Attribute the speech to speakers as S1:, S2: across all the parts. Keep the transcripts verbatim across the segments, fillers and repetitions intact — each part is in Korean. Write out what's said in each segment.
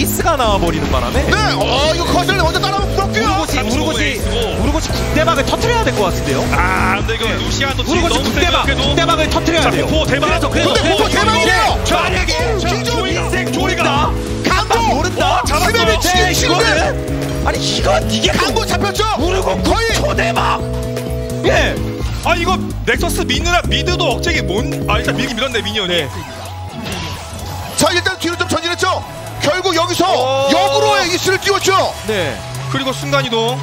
S1: 에이스가 나와버리는 바람에
S2: 네, 어 이거 커즐 먼저 따라오면 부럽고요.
S1: 우르고시 우르고시 우르고시 국대박을 터트려야 될 것 같은데요.
S3: 아 근데 이거 루시안도
S1: 우르고시 국대박 국대박을 터트려야 돼요.
S3: 공포 대박.
S1: 그래서
S2: 근데 공포 대박이에요.
S1: 만약에
S2: 김종우
S3: 인생 조이다.
S2: 강도
S1: 모른다.
S2: 스맵이 치킨 치는데
S1: 아니 이건 이게
S2: 강도 잡혔죠.
S1: 우르고
S2: 거의
S1: 초대박. 예.
S3: 아 이거 넥서스 미느라 미드도 억제기 뭔아 일단 밀긴 밀었네 미니언이. 네.
S2: 자 일단 뒤로 좀 전진했죠. 결국 여기서
S3: 어...
S2: 역으로의 이스를 띄웠죠.
S3: 네. 그리고 순간이동.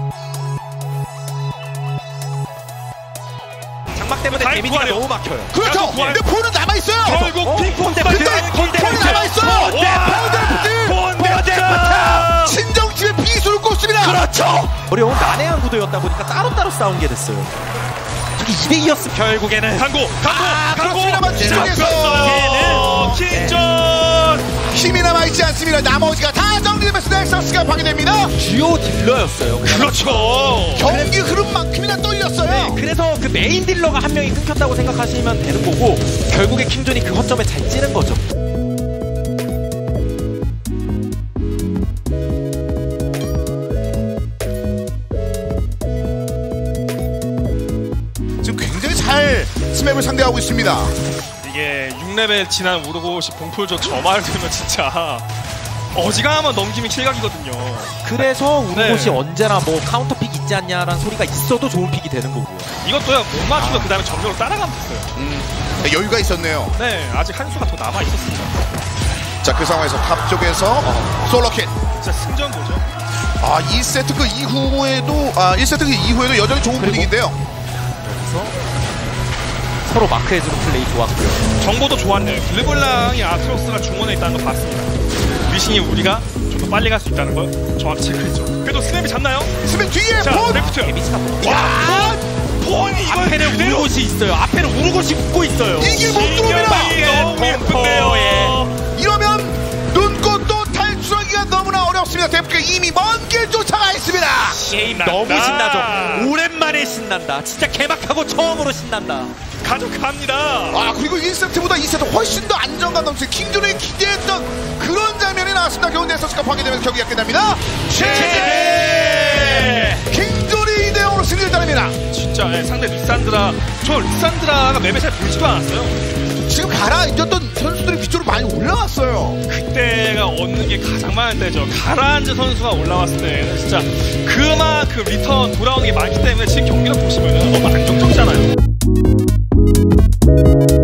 S1: 장막 때문에 데미지가 너무 막혀요.
S2: 그렇죠. 근데 폰은 남아 있어요.
S3: 결국
S1: 어?
S3: 핑퐁
S1: 때문에
S2: 근데 폰이 남아 있어요.
S3: 폰데프트.
S2: 친정집에 비수를 꽂습니다.
S1: 그렇죠. 어려운 난해한 구도였다 보니까 따로따로 싸운 게 됐어요. 저기 이 대 이였으면 결국에는
S3: 강고 강고
S2: 아,
S3: 강고
S2: 그렇습니다만 뒤쪽에서
S3: 킹전
S2: 힘이 남아있지 않습니다. 나머지가 다 정리되면서 넥서스가 파괴됩니다.
S1: 주요 딜러였어요.
S3: 그렇죠.
S2: 경기 흐름만큼이나 떨렸어요.
S1: 네, 그래서 그 메인 딜러가 한 명이 끊겼다고 생각하시면 되는 거고 결국에 킹존이 그 허점에 잘 찌는 거죠.
S2: 지금 굉장히 잘 스맵을 상대하고 있습니다.
S3: 이게 육 레벨 지난 우르고시 봉풀조 저말 되면 진짜 어지간하면 넘기면 킬각이거든요.
S1: 그래서 우르고시
S3: 네.
S1: 언제나 뭐 카운터 픽 있지 않냐라는 소리가 있어도 좋은 픽이 되는 거고요.
S3: 이것도요 못 맞추면 아. 그 다음에 점적으로 따라가면 됐어요.
S2: 음, 네, 여유가 있었네요.
S3: 네 아직 한 수가 더 남아 있었습니다.
S2: 자 그 상황에서 탑 쪽에서 어, 솔로킬.
S3: 진짜 승전보죠.
S2: 아 이 세트 그 이후에도 아 일 세트 그 이후에도 여전히 좋은 분위기인데요.
S1: 여기서 서로 마크해주는 플레이 좋았고요.
S3: 정보도 좋았네요. 르블랑이 아트로스가 중원에 있다는 걸 봤습니다. 리신이 우리가 좀 더 빨리 갈 수 있다는 걸 정확히 체크했죠. 그래도 스냅이 잡나요?
S2: 스맵 뒤에
S3: 자
S2: 폰!
S3: 레프트.
S1: 데미지가 너무
S3: 와 폰이 이걸
S1: 앞에는
S3: 그대로
S1: 우르고시 있어요. 앞에는 우르고시 웃고 있어요.
S2: 이게 못 들어옵니다.
S3: 너무 예쁜데요.
S2: 이러면 눈꽃도 탈출하기가 너무나 어렵습니다. 데프가 이미 먼 길 쫓아가 있습니다.
S1: 게임
S3: 신난다.
S1: 너무 신나죠. 오랜만에 신난다. 진짜 개막하고 처음으로 신난다.
S3: 가져갑니다.
S2: 아 그리고 일 세트보다 이 세트 훨씬 더 안정감 넘치는 킹존이 기대했던 그런 장면이 나왔습니다. 겨우 넥서스가 파괴되면서 경기가 끝납니다. 최재 킹존이 이 대 영으로 승리를 따냅니다.
S3: 진짜 네, 상대 리산드라 저 리산드라가 맵에 잘 보이지도 않았어요.
S2: 지금 가라앉았던 선수들이 위쪽으로 많이 올라왔어요.
S3: 그때가 얻는 게 가장 많을 때죠. 가라앉은 선수가 올라왔을 때는 진짜 그만큼 리턴 돌아오는 게 많기 때문에 지금 경기를 보시면 너무 안정적이잖아요.